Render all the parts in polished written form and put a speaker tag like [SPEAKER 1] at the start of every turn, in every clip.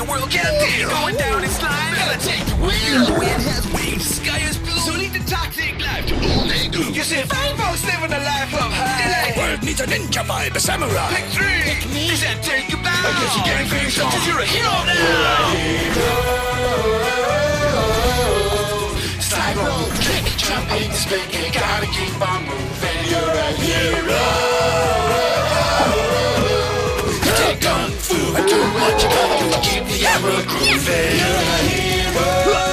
[SPEAKER 1] your world get a deal. Going down in slime, gonna take the wheel. The wind has wings, the sky is blue. So lead the toxic life to all they do. You see, fine folks living a life of high. The world needs a ninja vibe, a samurai. Pick three. Pick me. Does that take you back? I guess you can't finish off 'cause you're a hero now. Slide, roll, kick, jump, ain't spin. You gotta keep on moving. You're a hero. You take kung fu and do what you gotta do to keep the arrow grooving. You're a hero.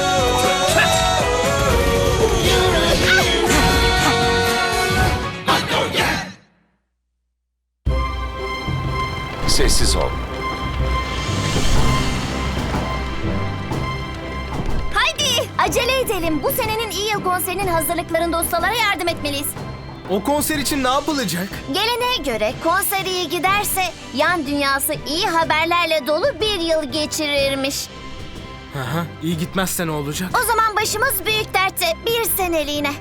[SPEAKER 1] You're a hero. I know ya.
[SPEAKER 2] Sessiz ol.
[SPEAKER 3] Haydi acele edelim. Bu senenin iyi yıl konserinin hazırlıklarında ustalara yardım etmeliyiz.
[SPEAKER 4] O konser için ne yapılacak?
[SPEAKER 3] Geleneğe göre konser iyi giderse yan dünyası iyi haberlerle dolu bir yıl geçirirmiş.
[SPEAKER 4] Aha, iyi gitmezse ne olacak?
[SPEAKER 3] O zaman başımız büyük dertte bir seneliğine.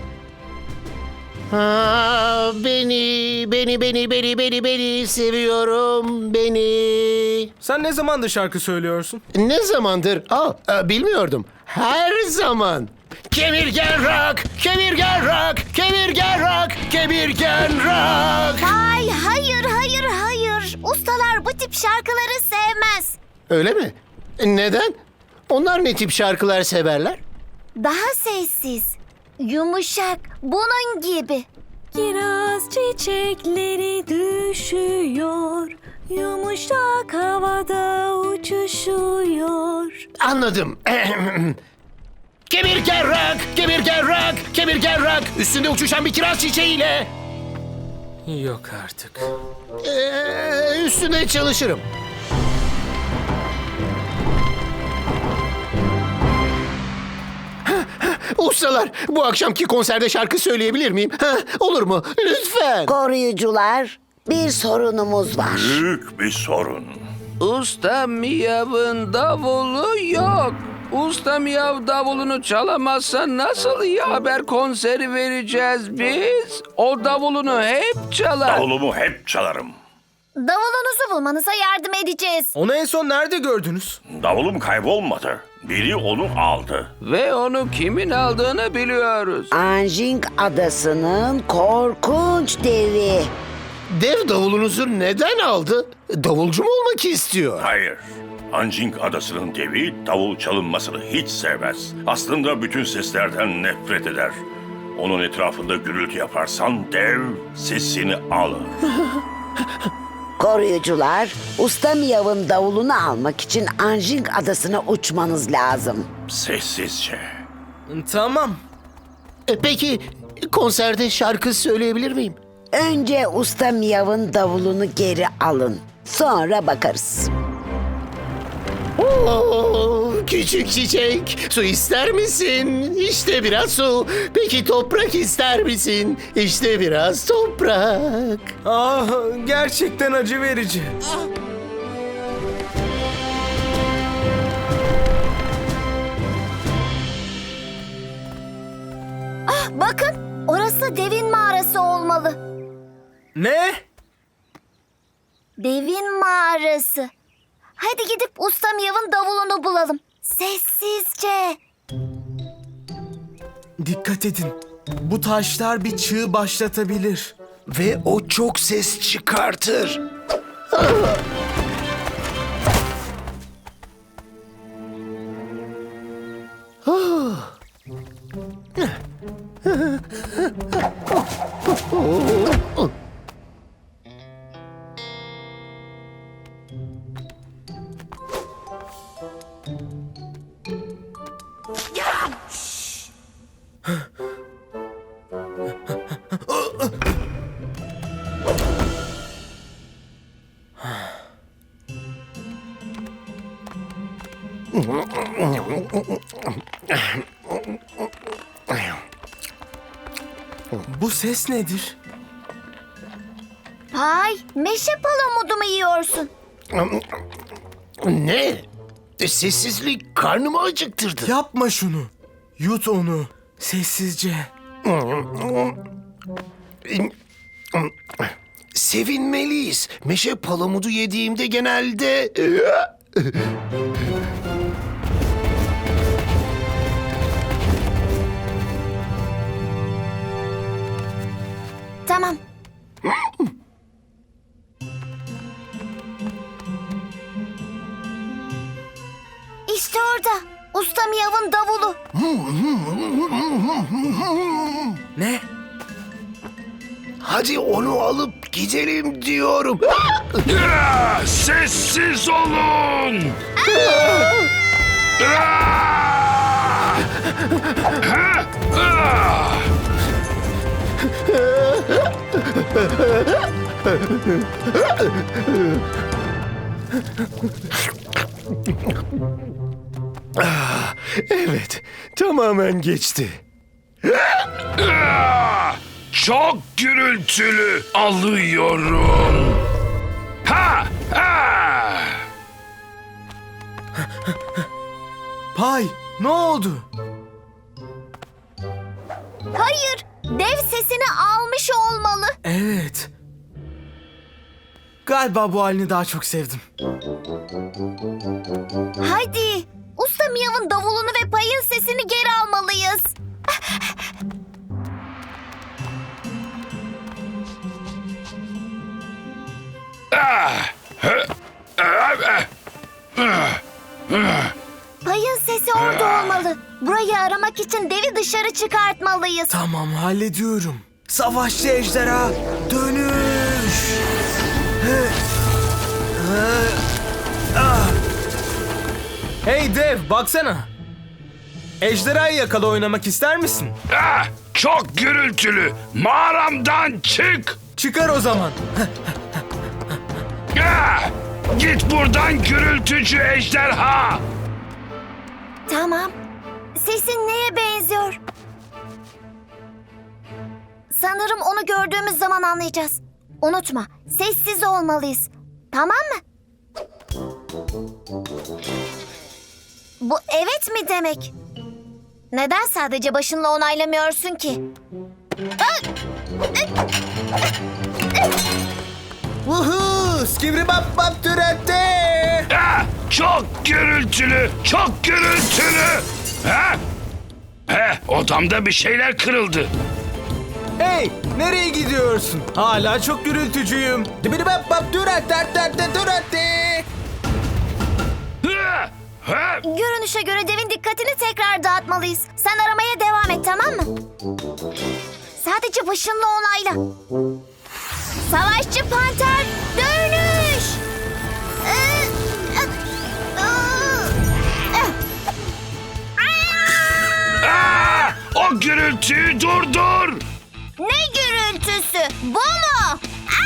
[SPEAKER 5] Beni seviyorum beni.
[SPEAKER 4] Sen ne zamandır şarkı söylüyorsun?
[SPEAKER 5] Ne zamandır? Bilmiyordum. Her zaman. Kemirgen rock, kemirgen rock, kemirgen rock, kemirgen rock.
[SPEAKER 3] Hayır. Ustalar bu tip şarkıları sevmez.
[SPEAKER 5] Öyle mi? Neden? Onlar ne tip şarkılar severler?
[SPEAKER 3] Daha sessiz, yumuşak, bunun gibi.
[SPEAKER 6] Kiraz çiçekleri düşüyor, yumuşak havada uçuşuyor.
[SPEAKER 5] Anladım. Kemirgen rock, kemirgen rock, kemirgen rock. Üstünde uçuşan bir kiraz çiçeğiyle.
[SPEAKER 4] Yok artık.
[SPEAKER 5] Üstüne çalışırım. Ustalar, bu akşamki konserde şarkı söyleyebilir miyim? Olur mu? Lütfen.
[SPEAKER 7] Koruyucular, bir sorunumuz var.
[SPEAKER 8] Büyük bir sorun.
[SPEAKER 9] Usta Miyav'ın davulu yok. Usta Miyav davulunu çalamazsa nasıl iyi haber konseri vereceğiz biz? O davulunu hep çalar.
[SPEAKER 8] Davulumu hep çalarım.
[SPEAKER 3] Davulunuzu bulmanıza yardım edeceğiz.
[SPEAKER 4] Onu en son nerede gördünüz?
[SPEAKER 8] Davulum kaybolmadı. Biri onu aldı.
[SPEAKER 9] Ve onu kimin aldığını biliyoruz.
[SPEAKER 7] Anjing Adası'nın korkunç devi.
[SPEAKER 5] Dev davulunuzu neden aldı? Davulcu mu olmak istiyor?
[SPEAKER 8] Hayır. Anjing Adası'nın devi davul çalınmasını hiç sevmez. Aslında bütün seslerden nefret eder. Onun etrafında gürültü yaparsan dev sesini alır.
[SPEAKER 7] Koruyucular, Usta Miyav'ın davulunu almak için Anjing Adası'na uçmanız lazım.
[SPEAKER 8] Sessizce.
[SPEAKER 4] Tamam.
[SPEAKER 5] Peki konserde şarkı söyleyebilir miyim?
[SPEAKER 7] Önce Usta Miyav'ın davulunu geri alın. Sonra bakarız.
[SPEAKER 5] Küçük çiçek, su ister misin? İşte biraz su. Peki toprak ister misin? İşte biraz toprak.
[SPEAKER 4] Ah, gerçekten acı verici.
[SPEAKER 3] Bakın, orası devin mağarası olmalı.
[SPEAKER 4] Ne?
[SPEAKER 3] Devin mağarası. Hadi gidip Usta Miyav'ın davulunu bulalım. Sessizce.
[SPEAKER 4] Dikkat edin. Bu taşlar bir çığ başlatabilir.
[SPEAKER 5] Ve o çok ses çıkartır.
[SPEAKER 4] Bu ses nedir?
[SPEAKER 3] Pay, meşe palamudu mu yiyorsun?
[SPEAKER 5] Ne? Sessizlik karnımı acıktırdı.
[SPEAKER 4] Yapma şunu. Yut onu. Sessizce.
[SPEAKER 5] Sevinmeliyiz. Meşe palamudu yediğimde genelde
[SPEAKER 3] Tamam. İşte orada. Usta Miyav'ın davulu.
[SPEAKER 4] Ne?
[SPEAKER 5] Hadi onu alıp gidelim diyorum.
[SPEAKER 8] Sessiz olun!
[SPEAKER 5] Evet, tamamen geçti.
[SPEAKER 8] Çok gürültülü alıyorum. Ha! Ha!
[SPEAKER 4] Pay, ne oldu?
[SPEAKER 3] Hayır. Dev sesini almış olmalı.
[SPEAKER 4] Evet. Galiba bu halini daha çok sevdim.
[SPEAKER 3] Hadi. Usta Miyav'ın davulunu ve payın sesini geri almalıyız. Payın sesi orada olmalı. Burayı aramak için devi dışarı çıkartmalıyız.
[SPEAKER 4] Tamam, hallediyorum. Savaşçı ejderha, dönüş! Hey dev, baksana. Ejderhayı yakala oynamak ister misin?
[SPEAKER 8] Çok gürültülü. Mağaramdan çık.
[SPEAKER 4] Çıkar o zaman.
[SPEAKER 8] Git buradan gürültücü ejderha.
[SPEAKER 3] Tamam. Sesin neye benziyor? Sanırım onu gördüğümüz zaman anlayacağız. Unutma, sessiz olmalıyız. Tamam mı? Bu evet mi demek? Neden sadece başınla onaylamıyorsun ki?
[SPEAKER 4] Woohoo! Skibribap bap türette!
[SPEAKER 8] Çok gürültülü. Çok gürültülü. Odamda bir şeyler kırıldı.
[SPEAKER 4] Hey, nereye gidiyorsun? Hala çok gürültücüyüm. Dibiribap bap türette!
[SPEAKER 3] Görünüşe göre devin dikkatini tekrar dağıtmalıyız. Sen aramaya devam et, tamam mı? Sadece başınla onayla. Savaşçı panter, dönüş!
[SPEAKER 8] O gürültüyü durdur.
[SPEAKER 3] Ne gürültüsü? Bu mu?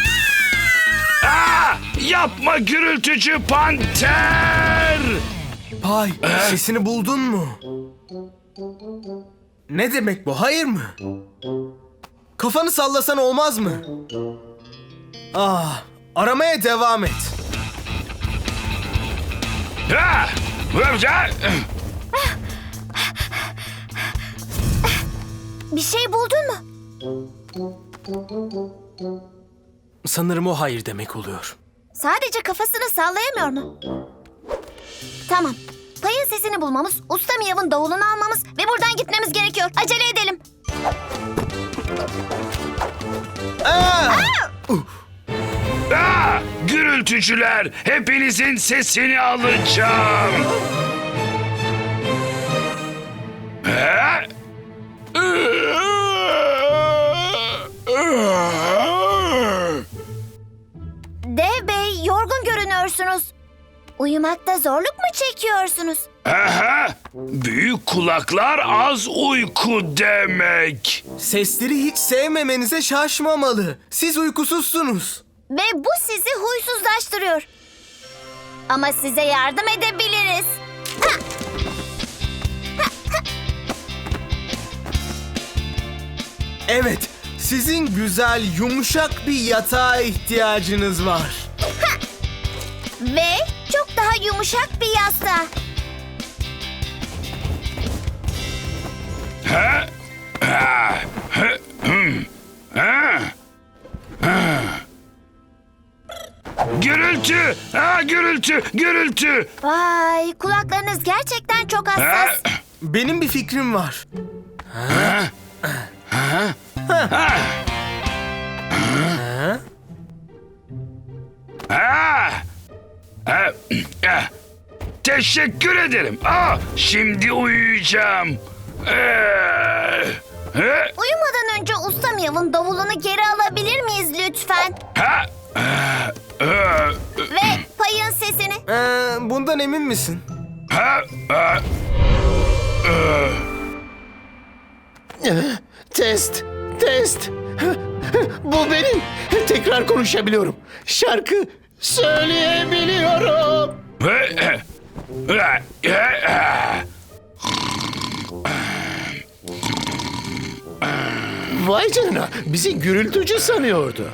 [SPEAKER 8] Yapma gürültücü panter.
[SPEAKER 4] Pay, sesini buldun mu? Ne demek bu, hayır mı? Kafanı sallasan olmaz mı? Aramaya devam et.
[SPEAKER 3] Bir şey buldun mu?
[SPEAKER 4] Sanırım o hayır demek oluyor.
[SPEAKER 3] Sadece kafasını sallayamıyor mu? Tamam. Payın sesini bulmamız, Usta Miyav'ın davulunu almamız ve buradan gitmemiz gerekiyor. Acele edelim.
[SPEAKER 8] Gürültücüler, hepinizin sesini alacağım.
[SPEAKER 3] Dev Bey, yorgun görünüyorsunuz. Uyumakta zorluk mu çekiyorsunuz?
[SPEAKER 8] Büyük kulaklar az uyku demek.
[SPEAKER 4] Sesleri hiç sevmemenize şaşmamalı. Siz uykusuzsunuz.
[SPEAKER 3] Ve bu sizi huysuzlaştırıyor. Ama size yardım edebiliriz.
[SPEAKER 4] Evet, sizin güzel, yumuşak bir yatağa ihtiyacınız var.
[SPEAKER 3] Ve çok daha yumuşak bir yastığa.
[SPEAKER 1] Gürültü! Ha, gürültü! Gürültü!
[SPEAKER 3] Vay, kulaklarınız gerçekten çok hassas.
[SPEAKER 4] Benim bir fikrim var.
[SPEAKER 1] Teşekkür ederim. Şimdi uyuyacağım.
[SPEAKER 3] Uyumadan önce Usta Miyav'ın davulunu geri alabilir miyiz lütfen? Ve payın sesini.
[SPEAKER 4] Bundan emin misin?
[SPEAKER 5] Test. Bu benim. Tekrar konuşabiliyorum. Şarkı söyleyebiliyorum. Vay canına, bizi gürültücü sanıyordu.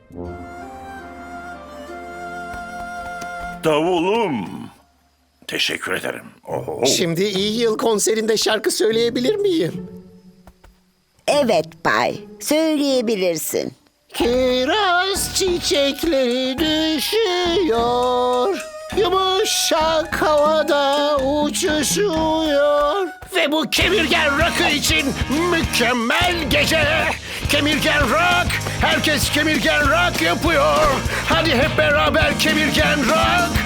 [SPEAKER 8] Davulum. Teşekkür ederim. Oho.
[SPEAKER 5] Şimdi iyi yıl konserinde şarkı söyleyebilir miyim?
[SPEAKER 7] Evet Pay, söyleyebilirsin.
[SPEAKER 5] Kiraz çiçekleri düşüyor, yumuşak havada uçuşuyor. Ve bu kemirgen rock'ı için mükemmel gece. Kemirgen rock, herkes kemirgen rock yapıyor. Hadi hep beraber kemirgen rock.